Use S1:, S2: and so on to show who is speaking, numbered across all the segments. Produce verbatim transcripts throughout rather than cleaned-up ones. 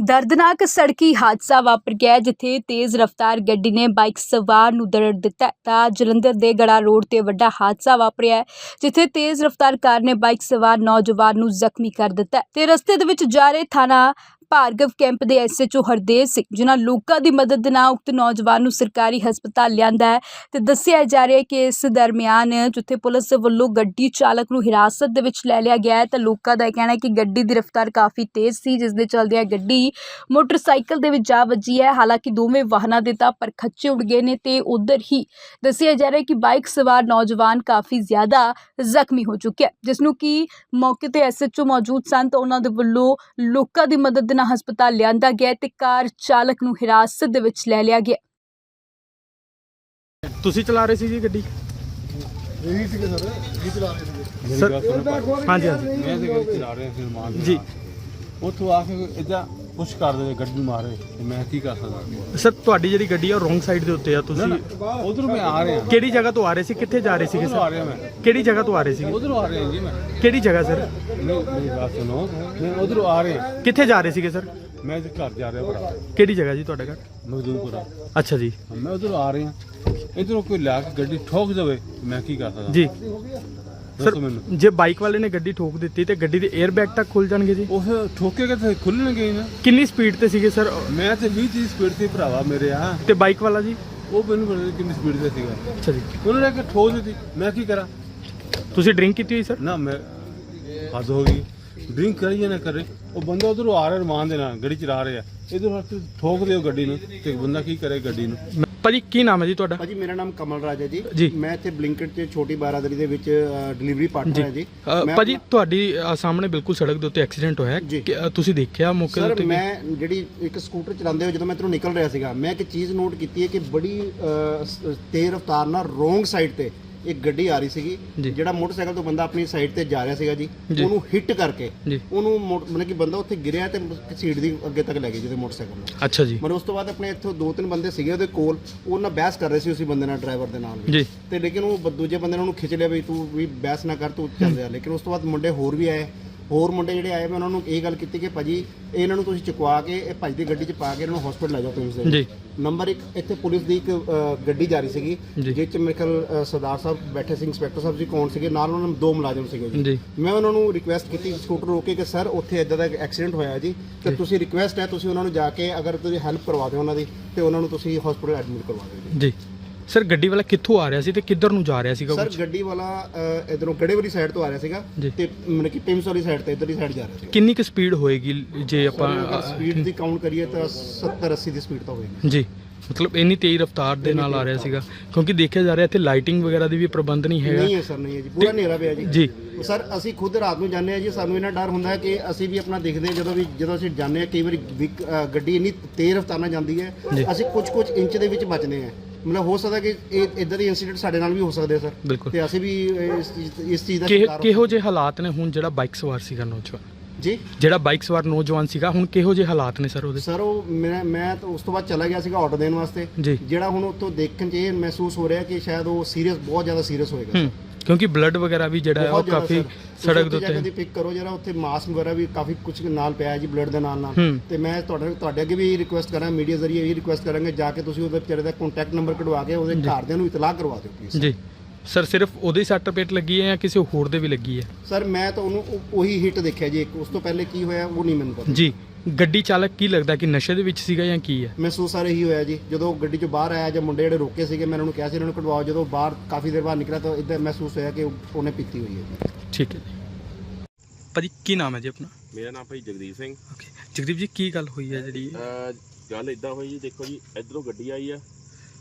S1: दर्दनाक सड़की हादसा वापर गया जिथे तेज़ रफ्तार गड्डी ने बाइक सवार नूं दरड़ दिता है। तां जलंधर दे गड़ा रोड ते वड्डा हादसा वापरिया है जिथे तेज़ रफ्तार कार ने बाइक सवार नौजवान नूं जख्मी कर दिता है ते रस्ते दे विच जा रहे थाना भार्गव कैंप दे S H O Hardev Singh जिन्हां लोकां दी मदद दे नाल उक्त नौजवान नूं सरकारी हस्पताल लिआंदा है ते दस्सिया जा रहा है कि इस दरमियान जिथे पुलिस वल्लों गड्डी चालक नूं हिरासत दे विच लै लिया गया है ते लोकां दा कहना है कि गड्डी दी रफ्तार काफ़ी तेज़ सी जिस दे चलदिआं गड्डी मोटरसाइकिल दे विच जा वजी है। हालांकि दोवें वाहनां दे तां परखच्चे उड़ गए ने ते उधर ही दस्सिया जा रहा है कि बाइक सवार नौजवान काफ़ी ज़्यादा जख्मी हो चुके हैं जिसनूं कि मौके ते एस एच ओ मौजूद सन तां उन्हां दे वल्लों लोकां दी मदद नाल हस्पताल लिआंदा गया ते कार चालक नूं हिरासत दे विच लै लिया गया।
S2: ਤੁਸੀਂ ਚਲਾ ਰਹੇ ਸੀ ਜੀ ਗੱਡੀ?
S3: ਇਹੀ ਸੀਗੇ ਸਰ, ਇਹੀ ਚਲਾ ਰਹੇ ਸੀਗੇ।
S2: ਸਰ ਹਾਂਜੀ ਹਾਂਜੀ
S3: ਮੈਂ ਤੇ ਗੱਡੀ ਚਲਾ ਰਿਹਾ ਸੀ ਮਾਨ
S2: ਜੀ।
S3: ਉੱਥੋਂ ਆ ਕੇ ਇਦਾਂ ਪੁਸ਼ ਕਰ ਦੇ ਗੱਡੀ ਮਾਰੇ ਤੇ ਮੈਂ ਕੀ ਕਰ ਸਕਦਾ।
S2: ਸਰ ਤੁਹਾਡੀ ਜਿਹੜੀ ਗੱਡੀ ਆ ਉਹ ਰੋਂਗ ਸਾਈਡ ਦੇ ਉੱਤੇ ਆ। ਤੁਸੀਂ
S3: ਉਧਰੋਂ ਮੈਂ ਆ ਰਿਹਾ।
S2: ਕਿਹੜੀ ਜਗ੍ਹਾ ਤੋਂ ਆ ਰਹੇ ਸੀ? ਕਿੱਥੇ ਜਾ ਰਹੇ ਸੀਗੇ
S3: ਉਧਰੋਂ ਆ
S2: ਸਰ?
S3: ਰਿਹਾ ਮੈਂ।
S2: ਕਿਹੜੀ ਜਗ੍ਹਾ ਤੋਂ ਆ ਰਹੇ ਸੀਗੇ?
S3: ਉਧਰੋਂ ਆ ਰਿਹਾ ਜੀ ਮੈਂ।
S2: ਕਿਹੜੀ ਜਗ੍ਹਾ ਸਰ?
S3: ਨਹੀਂ ਮੇਰੀ ਗੱਲ ਸੁਣੋ, ਮੈਂ ਉਧਰੋਂ ਆ ਰਿਹਾ।
S2: ਕਿੱਥੇ ਜਾ ਰਹੇ ਸੀਗੇ ਸਰ?
S3: ਮੈਂ ਤੇ ਘਰ ਜਾ ਰਿਹਾ ਭਰਾ।
S2: ਕਿਹੜੀ ਜਗ੍ਹਾ ਜੀ ਤੁਹਾਡਾ ਘਰ?
S3: ਮਜ਼ਦੂਰਪੁਰਾ।
S2: ਅੱਛਾ ਜੀ।
S3: ਮੈਂ ਉਧਰੋਂ ਆ ਰਿਹਾ। ਇਧਰੋਂ ਕੋਈ ਲਾ ਕੇ ਗੱਡੀ ਠੋਕ ਦੇਵੇ ਮੈਂ ਕੀ ਕਰ ਸਕਦਾ
S2: ਜੀ ਸਰ,
S3: ਦੱਸੋ ਮੈਨੂੰ।
S2: ਜੇ ਬਾਈਕ ਵਾਲੇ ਨੇ ਗੱਡੀ ਠੋਕ ਦਿੱਤੀ ਤੇ ਗੱਡੀ ਦੇ 에ਅਰ ਬੈਗ ਤੱਕ ਖੁੱਲ ਜਾਣਗੇ ਜੀ?
S3: ਉਹ ਠੋਕੇਗਾ ਤੇ ਖੁੱਲਣਗੇ ਨਾ।
S2: ਕਿੰਨੀ ਸਪੀਡ ਤੇ ਸੀਗੇ ਸਰ?
S3: ਮੈਂ ਤੇ ਵੀਹ ਤੀਹ ਸਪੀਡ ਤੇ ਭਰਾਵਾ ਮੇਰੇ ਆ।
S2: ਤੇ ਬਾਈਕ ਵਾਲਾ ਜੀ?
S3: ਉਹ ਮੈਨੂੰ ਪਤਾ ਨਹੀਂ ਕਿੰਨੀ ਸਪੀਡ ਤੇ ਸੀਗਾ।
S2: ਅੱਛਾ ਜੀ।
S3: ਉਹਨਾਂ ਨੇ ਕਿ ਠੋਕ ਦਿੱਤੀ ਮੈਂ ਕੀ ਕਰਾਂ।
S2: ਤੁਸੀਂ ਡਰਿੰਕ ਕੀਤੀ ਹੋਈ ਸਰ?
S3: ਨਾ ਮੈਂ ਹੱਦ ਹੋ ਗਈ। ਡਰਿੰਕ ਕਰੀ ਜਾਂ ਨਾ ਕਰੇ ਉਹ ਬੰਦਾ ਉਧਰੋਂ ਆ ਰਿਹਾ ਰਮਾਨ ਦੇ ਨਾਲ ਗੱਡੀ ਚਲਾ ਰਿਹਾ ਇਧਰ ਠੋਕ ਦਿਓ ਗੱਡੀ ਨੂੰ ਤੇ ਬੰਦਾ ਕੀ ਕਰੇ ਗੱਡੀ ਨੂੰ।
S2: ਭਾਜੀ ਕੀ ਨਾਮ ਹੈ ਜੀ ਤੁਹਾਡਾ?
S4: ਭਾਜੀ ਮੇਰਾ ਨਾਮ ਕਮਲ ਰਾਜ ਹੈ
S2: ਜੀ।
S4: ਜੀ। ਮੈਂ ਇੱਥੇ ਬਲਿੰਕਟ 'ਚ ਛੋਟੀ ਬਾਰਾਦਰੀ ਦੇ ਵਿੱਚ ਡਿਲੀਵਰੀ ਪਾਰਟਨਰ ਹੈ ਜੀ।
S2: ਅ,
S4: ਮੈਂ
S2: ਭਾਜੀ
S4: ਆਪਣਾ-
S2: ਤੁਹਾਡੀ ਅ, ਸਾਹਮਣੇ ਬਿਲਕੁਲ ਸੜਕ ਦੇ ਉੱਤੇ ਐਕਸੀਡੈਂਟ ਹੋਇਆ
S4: ਜੀ।
S2: ਕਿ, ਅ, ਤੁਸੀਂ ਦੇਖਿਆ ਮੌਕੇ ਦੇ
S4: ਸਰ
S2: ਉੱਤੇ?
S4: ਮੈਂ ਜਿਹੜੀ ਇੱਕ ਸਕੂਟਰ ਚਲਾਉਂਦੇ ਹੋਏ ਜਦੋਂ ਮੈਂ ਇੱਧਰੋਂ ਨਿਕਲ ਰਿਹਾ ਸੀਗਾ ਮੈਂ ਇੱਕ ਚੀਜ਼ ਨੋਟ ਕੀਤੀ ਹੈ ਕਿ ਬੜੀ ਅ, ਸ- ਤੇਜ਼ ਰਫ਼ਤਾਰ ਨਾਲ ਰੋਂਗ ਸਾਈਡ ਤੇ ਇੱਕ ਗੱਡੀ ਆ ਰਹੀ ਸੀਗੀ
S2: ਜੀ।
S4: ਜਿਹੜਾ ਮੋਟਰਸਾਈਕਲ ਤੋਂ ਬੰਦਾ ਆਪਣੀ ਸਾਈਡ ਤੇ ਜਾ ਰਿਹਾ ਸੀਗਾ ਜੀ
S2: ਜੀ।
S4: ਉਹਨੂੰ ਹਿੱਟ ਕਰਕੇ
S2: ਜੀ।
S4: ਉਹਨੂੰ ਮੋ- ਮਤਲਬ ਕਿ ਬੰਦਾ ਉੱਥੇ ਗਿਰਿਆ ਤੇ ਸੀਟ ਦੀ ਅੱਗੇ ਤੱਕ ਲੈ ਗਈ ਜਿਹਦੇ ਮੋਟਰਸਾਈਕਲ ਨੂੰ।
S2: ਅੱਛਾ ਜੀ।
S4: ਮਤਲਬ ਉਸ ਤੋਂ ਬਾਅਦ ਆਪਣੇ ਇੱਥੋਂ ਦੋ ਤਿੰਨ ਬੰਦੇ ਸੀਗੇ ਉਹਦੇ ਕੋਲ ਉਹ ਨਾਲ ਬਹਿਸ ਕਰ ਰਹੇ ਸੀ ਉਸੇ ਬੰਦੇ ਨਾਲ ਡਰਾਈਵਰ ਦੇ ਨਾਲ ਵੀ।
S2: ਜੀ।
S4: ਤੇ ਲੇਕਿਨ ਉਹ ਬ- ਦੂਜੇ ਬੰਦੇ ਨੇ ਉਹਨੂੰ ਖਿੱਚ ਲਿਆ ਵੀ ਤੂੰ ਵੀ ਬਹਿਸ ਨਾ ਕਰ ਤੂੰ ਚੱਲ ਰਿਹਾ। ਲੇਕਿਨ ਉਸ ਤੋਂ ਬਾਅਦ ਮੁੰਡੇ ਹੋਰ ਵੀ ਆਏ ਹੋਰ ਮੁੰਡੇ ਜਿਹੜੇ ਆਏ ਮੈਂ ਉਹਨਾਂ ਨੂੰ ਇਹ ਗੱਲ ਕੀਤੀ ਕਿ ਭਾਜੀ ਇਹਨਾਂ ਨੂੰ ਤੁਸੀਂ ਚੁਕਵਾ ਕੇ ਇਹ ਭਾਜੀ ਦੀ ਗੱਡੀ 'ਚ ਪਾ ਕੇ ਇਹਨਾਂ ਨੂੰ ਹਸਪੀਟਲ ਲੈ ਜਾਓ ਤੁਸੀਂ।
S2: ਜੀ।
S4: ਨੰਬਰ ਇੱਕ ਇੱਥੇ ਪੁਲਿਸ ਦੀ ਇੱਕ ਅ, ਗੱਡੀ ਜਾ ਰਹੀ ਸੀਗੀ
S2: ਜੀ।
S4: ਜਿਸ 'ਚ ਮੇਰੇ ਖਿਆਲ ਅ, ਸਰਦਾਰ ਸਾਹਿਬ ਬੈਠੇ ਸੀ ਇੰਸਪੈਕਟਰ ਸਾਹਿਬ ਜੀ ਕੌਣ ਸੀਗੇ ਨਾਲ ਉਹਨਾਂ ਨੂੰ ਦੋ ਮੁਲਾਜ਼ਮ ਸੀਗੇ ਜੀ।
S2: ਜੀ।
S4: ਮੈਂ ਉਹਨਾਂ ਨੂੰ ਰਿਕੁਐਸਟ ਕੀਤੀ ਸਕੂਟਰ ਰੋਕ ਕੇ ਕਿ ਸਰ ਉੱਥੇ ਇਦਾਂ ਦਾ ਐਕਸੀਡੈਂਟ ਹੋਇਆ ਜੀ ਤੇ ਤੁਸੀਂ ਰਿਕੁਐਸਟ ਹੈ ਤੁਸੀਂ ਉਹਨਾਂ ਨੂੰ ਜਾ ਕੇ ਅਗਰ ਤੁਸੀਂ ਹੈਲਪ ਕਰਵਾ ਦਿਓ ਉਹਨਾਂ ਦੀ ਤੇ ਉਹਨਾਂ ਨੂੰ ਤੁਸੀਂ ਹਸਪੀਟਲ ਐਡਮਿਟ ਕਰਵਾ ਦਿਓ ਜੀ।
S2: ਜੀ ਸਰ ਗੱਡੀ ਵਾਲਾ ਕਿੱਥੋਂ ਆ ਰਿਹਾ ਸੀ ਤੇ ਕਿੱਧਰ ਨੂੰ ਜਾ ਰਿਹਾ ਸੀਗਾ?
S4: ਸਰ
S2: ਕੁਛ?
S4: ਗੱਡੀ ਵਾਲਾ ਇਧਰੋਂ ਗੜੇ ਵਾਲੀ ਸਾਈਡ ਤੋਂ ਆ ਰਿਹਾ ਸੀਗਾ
S2: ਜੀ।
S4: ਤੇ ਮਤਲਬ ਕਿ ਪਿੰਸ ਵਾਲੀ ਸਾਈਡ ਤੇ ਇਧਰਲੀ ਸਾਈਡ ਜਾ ਰਿਹਾ ਸੀ।
S2: ਕਿੰਨੀ ਕੁ ਸਪੀਡ ਹੋਏਗੀ ਜੇ ਆਪਾਂ
S4: ਸਪੀਡ ਦੀ ਕਾਊਂਟ ਕਰੀਏ ਤਾਂ ਸੱਤਰ ਅੱਸੀ ਦੀ ਸਪੀਡ ਤਾਂ ਹੋਏਗੀ
S2: ਜੀ? ਮਤਲਬ ਇੰਨੀ ਤੇਜ਼ ਰਫ਼ਤਾਰ ਦੇ ਨਾਲ ਆ ਰਿਹਾ ਸੀਗਾ ਕਿਉਂਕਿ ਦੇਖਿਆ ਜਾ ਰਿਹਾ ਇੱਥੇ ਲਾਈਟਿੰਗ ਵਗੈਰਾ ਦੀ ਵੀ ਪ੍ਰਬੰਧ ਨਹੀਂ ਹੈਗਾ।
S4: ਨਹੀਂ ਹੈ ਸਰ, ਨਹੀਂ ਹੈ ਜੀ, ਪੂਰਾ ਹਨੇਰਾ ਪਿਆ ਜੀ।
S2: ਜੀ
S4: ਸਰ ਅਸੀਂ ਖੁਦ ਰਾਤ ਨੂੰ ਜਾਂਦੇ ਆ ਜੀ ਸਾਨੂੰ ਇਹਨਾਂ ਡਰ ਹੁੰਦਾ ਹੈ ਕਿ ਅਸੀਂ ਵੀ ਆਪਣਾ ਦੇਖਦੇ ਹਾਂ ਜਦੋਂ ਵੀ ਜਦੋਂ ਅਸੀਂ ਜਾਂਦੇ ਆ ਕਈ ਵਾਰੀ ਵਿਕ- ਅ, ਗੱਡੀ ਇੰਨੀ ਤੇਜ਼ ਰਫ਼ਤਾਰ ਨਾਲ ਜਾਂਦੀ ਹੈ
S2: ਜੀ।
S4: ਅਸੀਂ ਕੁਝ ਕੁਝ ਇੰਚ ਦੇ ਵਿੱਚ ਬਚਦੇ ਹਾਂ। ਮਤਲਬ ਹੋ ਸਕਦਾ ਕਿ ਇਹ ਇਦਾਂ ਦੇ ਇਨਸੀਡੈਂਟ ਸਾਡੇ ਨਾਲ ਵੀ ਹੋ ਸਕਦੇ ਆ ਸਰ।
S2: ਬਿਲਕੁਲ।
S4: ਤੇ ਅਸੀਂ ਵੀ ਇਸ ਚੀਜ਼ ਇਸ ਚੀਜ਼ ਦਾ
S2: ਕਿਹੋ
S4: ਸ਼ਿਕਾਰ ਹੋ-
S2: ਕਿਹੋ ਜਿਹੇ ਹਾਲਾਤ ਨੇ ਹੁਣ ਜਿਹੜਾ ਬਾਈਕ ਸਵਾਰ ਸੀਗਾ ਨੌਜਵਾਨ?
S4: ਜੀ
S2: ਜਿਹੜਾ ਬਾਈਕ ਸਵਾਰ ਨੌਜਵਾਨ ਸੀਗਾ ਹੁਣ ਕਿਹੋ ਜਿਹੇ ਹਾਲਾਤ ਨੇ ਸਰ ਉਹਦੇ?
S4: ਸਰ ਉਹ ਮੈਂ ਮੈਂ ਤਾਂ ਉਸ ਤੋਂ ਬਾਅਦ ਚਲਾ ਗਿਆ ਸੀਗਾ ਆਰਡਰ ਦੇਣ ਵਾਸਤੇ।
S2: ਜੀ।
S4: ਜਿਹੜਾ ਹੁਣ ਉੱਥੋਂ ਦੇਖਣ 'ਚ ਇਹ ਮਹਿਸੂਸ ਹੋ ਰਿਹਾ ਕਿ ਸ਼ਾਇਦ ਉਹ ਸੀਰੀਅਸ ਬਹੁਤ ਜ਼ਿਆਦਾ ਸੀਰੀਅਸ ਹੋਏਗਾ।
S2: ਹੂੰ ਕਿਉਂਕਿ ਬਲੱਡ ਵਗੈਰਾ ਵੀ ਜਿਹੜਾ ਹੈ ਉਹ
S4: ਬਹੁਤ ਜ਼ਿਆਦਾ
S2: ਕਾਫੀ
S4: ਸਰ।
S2: ਸੜਕ ਦੇ
S4: ਤੁਸੀਂ
S2: ਉੱਤੇ
S4: ਪਿਕ ਕਰੋ ਜਰਾ ਉੱਥੇ ਮਾਸਕ ਵਗੈਰਾ ਵੀ ਕਾਫੀ ਕੁਝ ਨਾਲ ਪਿਆ ਹੈ ਜੀ ਬਲੱਡ ਦੇ ਨਾਲ ਨਾਲ।
S2: ਹੂੰ।
S4: ਤੇ ਮੈਂ ਤੁਹਾਡੇ ਤੁਹਾਡੇ ਅੱਗੇ ਵੀ ਰਿਕੁਐਸਟ ਕਰਾਂ ਮੀਡੀਆ ਜ਼ਰੀਏ ਇਹ ਰਿਕੁਐਸਟ ਕਰਾਂਗੇ ਜਾ ਕੇ ਤੁਸੀਂ ਉਹਦੇ ਵਿਚਾਰੇ ਦਾ ਕੰਟੈਕਟ ਨੰਬਰ ਕਢਵਾ ਕੇ ਉਹਦੇ ਘਰਦਿਆਂ ਨੂੰ ਇਤਲਾਹ ਕਰਵਾ ਦਿਓ ਪਲੀਜ਼।
S2: ਜੀ ਸਰ ਸਿਰਫ ਉਹਦੇ ਹੀ ਸੱਟ ਪੇਟ ਲੱਗੀ ਹੈ ਜਾਂ ਕਿਸੇ ਹੋਰ ਦੇ ਵੀ ਲੱਗੀ ਹੈ?
S4: ਸਰ ਮੈਂ ਤਾਂ ਉਹਨੂੰ ਉਹ- ਉਹੀ ਹਿੱਟ ਦੇਖਿਆ ਜੀ ਇੱਕ ਉਸ ਤੋਂ ਪਹਿਲੇ ਕੀ ਹੋਇਆ ਉਹ ਨਹੀਂ ਮੈਨੂੰ ਪਤਾ
S2: ਜੀ। ਗੱਡੀ ਚਾਲਕ ਕੀ ਲੱਗਦਾ ਕਿ ਨਸ਼ੇ ਦੇ ਵਿੱਚ ਸੀਗਾ ਜਾਂ ਕੀ ਹੈ?
S4: ਮਹਿਸੂਸ ਆ ਰਹੀ ਹੋਇਆ ਜੀ ਜਦੋਂ ਗੱਡੀ ਚੋਂ ਬਾਹਰ ਆਇਆ ਜਾਂ ਮੁੰਡੇ ਜਿਹੜੇ ਰੋਕੇ ਸੀਗੇ ਮੈਂ ਉਹਨਾਂ ਨੂੰ ਕਿਹਾ ਸੀ ਇਹਨਾਂ ਨੂੰ ਕਢਵਾਓ ਜਦੋਂ ਬਾਹਰ ਕਾਫੀ ਦੇਰ ਬਾਅਦ ਨਿਕਲਿਆ ਤਾਂ ਇਦਾਂ ਮਹਿਸੂਸ ਹੋਇਆ ਕਿ ਉਹਨੇ ਪੀਤੀ ਹੋਈ ਹੈ ਜੀ।
S2: ਠੀਕ ਹੈ ਜੀ। ਭਾਜੀ ਕੀ ਨਾਮ ਹੈ ਜੀ ਆਪਣਾ?
S5: ਮੇਰਾ ਨਾਮ ਭਾਈ ਜਗਦੀਪ ਸਿੰਘ।
S2: ਓਕੇ ਜਗਦੀਪ ਜੀ ਕੀ ਗੱਲ ਹੋਈ ਹੈ ਜਿਹੜੀ?
S5: ਅਹ ਗੱਲ ਇਦਾਂ ਹੋਈ ਜੀ, ਦੇਖੋ ਜੀ ਇਧਰੋਂ ਗੱਡੀ ਆਈ ਆ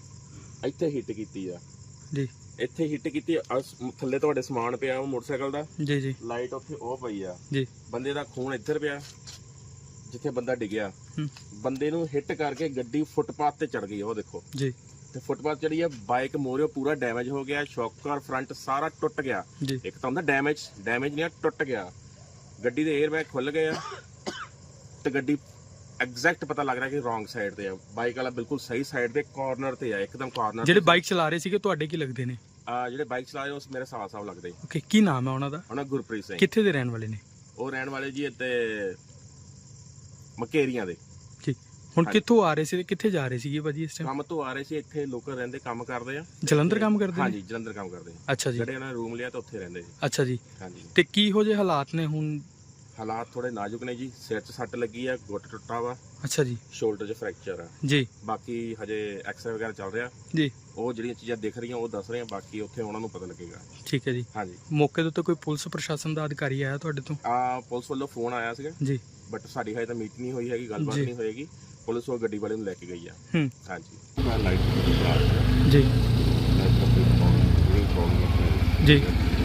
S5: ਇੱਥੇ ਹਿੱਟ ਕੀਤੀ ਆ।
S2: ਜੀ।
S5: ਇੱਥੇ ਹਿੱਟ ਕੀਤੀ ਆ, ਸ- ਥੱਲੇ ਤੁਹਾਡੇ ਸਮਾਨ ਪਿਆ ਉਹ ਮੋਟਰਸਾਈਕਲ ਦਾ,
S2: ਜੀ ਜੀ
S5: ਲਾਈਟ ਉੱਥੇ ਉਹ ਪਈ ਆ।
S2: ਜੀ।
S5: ਬੰਦੇ ਦਾ ਖੂਨ ਇੱਧਰ ਪਿਆ ਜਿੱਥੇ ਬੰਦਾ ਡਿੱਗਿਆ।
S2: ਹੂੰ।
S5: ਬੰਦੇ ਨੂੰ ਹਿੱਟ ਕਰਕੇ ਗੱਡੀ ਫੁੱਟਪਾਥ ਤੇ ਚੜ ਗਈ ਉਹ ਦੇਖੋ।
S2: ਜੀ।
S5: ਤੇ ਫੁੱਟਪਾਥ ਚੜੀ ਆ, ਬਾਈਕ ਮੋਰਿਓ ਪੂਰਾ ਡੈਮੇਜ ਹੋ ਗਿਆ, ਸ਼ੌਕਰ ਫਰੰਟ ਸਾਰਾ ਟੁੱਟ ਗਿਆ।
S2: ਜੀ।
S5: ਇੱਕ ਤਾਂ ਹੁੰਦਾ ਡੈਮੇਜ ਡੈਮੇਜ ਨਹੀਂ ਆ, ਟੁੱਟ ਗਿਆ। ਗੱਡੀ ਦੇ 에ਅਰ ਬੈਗ ਖੁੱਲ ਗਏ ਆ ਤੇ ਗੱਡੀ ਐਗਜ਼ੈਕਟ ਪਤਾ ਲੱਗ ਰਿਹਾ ਕਿ ਰੋਂਗ ਸਾਈਡ ਤੇ ਆ। ਬਾਈਕ ਵਾਲਾ ਬਿਲਕੁਲ ਸਹੀ ਸਾਈਡ ਤੇ ਕਾਰਨਰ ਤੇ ਆ, ਇੱਕਦਮ ਕਾਰਨਰ।
S2: ਜਿਹੜੇ ਬਾਈਕ ਚਲਾ ਰਹੇ ਸੀਗੇ ਤੁਹਾਡੇ ਕੀ ਲੱਗਦੇ ਨੇ?
S5: ਆ ਜਿਹੜੇ ਬਾਈਕ ਚਲਾ ਰਹੇ ਉਸ ਮੇਰੇ ਸਾਹ ਸਾਹ ਲੱਗਦੇ।
S2: ਓਕੇ ਕੀ ਨਾਮ ਹੈ ਉਹਨਾਂ ਦਾ?
S5: ਉਹਨਾਂ ਗੁਰਪ੍ਰੀਤ ਸਿੰਘ।
S2: ਕਿੱਥੇ ਦੇ ਰਹਿਣ ਵਾਲੇ ਨੇ?
S5: ਉਹ ਰਹਿਣ ਵਾਲੇ ਜੀ ਇੱਥੇ ਮਕੇਰੀਆਂ ਦੇ।
S2: ਹੁਣ
S5: ਹਾਂਜੀ।
S2: ਕਿੱਥੋਂ ਆ ਰਹੇ ਸੀ ਤੇ ਕਿੱਥੇ ਜਾ ਰਹੇ ਸੀਗੇ ਭਾਜੀ ਇਸ ਟਾਈਮ?
S5: ਕੰਮ ਤੋਂ ਆ ਰਹੇ ਸੀ, ਇੱਥੇ ਲੋਕਲ ਰਹਿੰਦੇ, ਕੰਮ ਕਰਦੇ ਆ।
S2: ਜਲੰਧਰ ਕੰਮ ਕਰਦੇ ਨੇ?
S5: ਹਾਂਜੀ, ਜਲੰਧਰ ਕੰਮ ਕਰਦੇ ਆ।
S2: ਅੱਛਾ ਜੀ,
S5: ਜਿਹੜੇ ਉਹਨਾਂ ਨੇ ਰੂਮ ਲਿਆ ਤਾਂ ਉੱਥੇ ਰਹਿੰਦੇ ਜੀ।
S2: ਅੱਛਾ ਜੀ।
S5: ਹਾਂਜੀ,
S2: ਤੇ ਕੀ ਹੋ ਜੇ ਹਾਲਾਤ ਨੇ ਹੁਣ?
S5: ਹਾਲਾਤ ਥੋੜੇ ਨਾਜ਼ੁਕ ਨੇ ਜੀ। ਸਿਰ 'ਚ ਸੱਟ ਲੱਗੀ ਆ, ਗੁੱਟ ਟੁੱਟਾ ਵਾ,
S2: ਅੱਛਾ ਜੀ,
S5: ਸ਼ੋਲਡਰ 'ਚ ਫ੍ਰੈਕਚਰ ਆ।
S2: ਜੀ
S5: ਬਾਕੀ ਹਜੇ ਐਕਸਰੇ ਵਗੈਰਾ ਚੱਲ ਰਿਹਾ।
S2: ਜੀ,
S5: ਉਹ ਜਿਹੜੀਆਂ ਚੀਜ਼ਾਂ ਦਿਖ ਰਹੀਆਂ ਉਹ ਦੱਸ ਰਹੇ ਆ, ਬਾਕੀ ਉੱਥੇ ਉਹਨਾਂ ਨੂੰ ਪਤਾ ਲੱਗੇਗਾ।
S2: ਠੀਕ ਹੈ ਜੀ।
S5: ਹਾਂਜੀ,
S2: ਮੌਕੇ ਦੇ ਉੱਤੇ ਕੋਈ ਪੁਲਿਸ ਪ੍ਰਸ਼ਾਸਨ ਦਾ ਅਧਿਕਾਰੀ ਆਇਆ ਤੁਹਾਡੇ ਤੋਂ?
S5: ਆ ਪੁਲਿਸ ਵੱਲੋਂ ਫੋਨ ਆਇਆ ਸੀਗਾ,
S2: ਜੀ,
S5: ਬਟ ਸਾਡੀ ਹਜੇ ਤਾਂ ਮੀਟ ਨਹੀਂ ਹੋਈ ਹੈਗੀ, ਗੱਲਬਾਤ
S2: ਜੀ।
S5: ਨਹੀਂ ਹੋਏਗੀ। ਪੁਲਿਸ ਉਹ ਗੱਡੀ ਵਾਲੇ ਨੂੰ ਲੈ ਕੇ ਗਈ ਆ।
S2: ਹੂੰ,
S5: ਹਾਂਜੀ, ਮੈਂ ਲਾਈਟ ਦੀ
S2: ਜੀ, ਜੀ,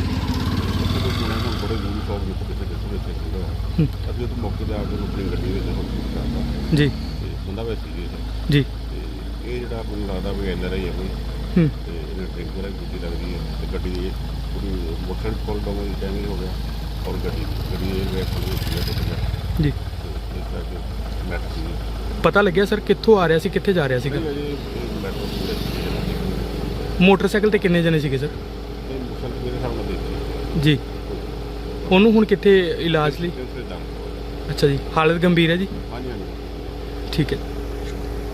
S3: ਬੜੇ ਯੂਨੀਫਾਰਮ ਵਿੱਚ ਕਿਸੇ ਕਿਸੇ ਵਿੱਚ ਸੀਗਾ
S2: ਹੂੰ,
S3: ਅਸੀਂ ਉਹ ਮੌਕੇ ਤੇ ਆ ਕੇ ਆਪਣੀ ਗੱਡੀ ਵਿੱਚ ਹਸਪਤਾਲ ਕਰਤਾ
S2: ਜੀ,
S3: ਤੇ ਬੰਦਾ ਵੈਸੇ ਸੀਰੀਅਸ
S2: ਜੀ,
S3: ਤੇ ਇਹ ਜਿਹੜਾ ਮੈਨੂੰ ਲੱਗਦਾ ਵੀ ਐਨ ਆਰ ਆਈ ਹੈ ਕੋਈ
S2: ਹੂੰ,
S3: ਤੇ ਇਹਨੇ ਡਰਿੰਕ ਵਗੈਰਾ ਕੀਤੀ ਲੱਗਦੀ ਹੈ ਤੇ ਗੱਡੀ ਦੀ ਪੂਰੀ ਮੋਟਰ ਕੋਲ ਡੋਂਗ ਦੀ ਟਾਈਮਿੰਗ ਹੋ ਗਿਆ ਔਰ ਗੱਡੀ ਗੱਡੀ ਇਹ ਵੇ ਖੁੱਲ ਗਈ ਤੇ
S2: ਜੀ।
S3: ਤੇ ਇਸ ਕਰਕੇ ਮੈਟ ਸੀ
S2: ਪਤਾ ਲੱਗਿਆ ਸਰ ਕਿੱਥੋਂ ਆ ਰਿਹਾ ਸੀ ਕਿੱਥੇ ਜਾ ਰਿਹਾ ਸੀਗਾ?
S3: ਮੈਟਰੋ ਪੂਰੇ
S2: ਮੋਟਰਸਾਈਕਲ ਤੇ ਕਿੰਨੇ ਜਣੇ ਸੀਗੇ ਸਰ?
S3: ਤੇ ਮੁਸਲ ਮੇਰੇ ਸਾਹਮਣੇ ਦੇਖੀ
S2: ਜੀ। ਉਹਨੂੰ ਹੁਣ ਕਿੱਥੇ ਇਲਾਜ ਲਈ?
S3: ਤੇ ਦਾਮ
S2: ਅੱਛਾ ਜੀ, ਹਾਲਤ ਗੰਭੀਰ ਹੈ ਜੀ?
S3: ਹਾਂਜੀ ਹਾਂਜੀ
S2: ਠੀਕ ਹੈ।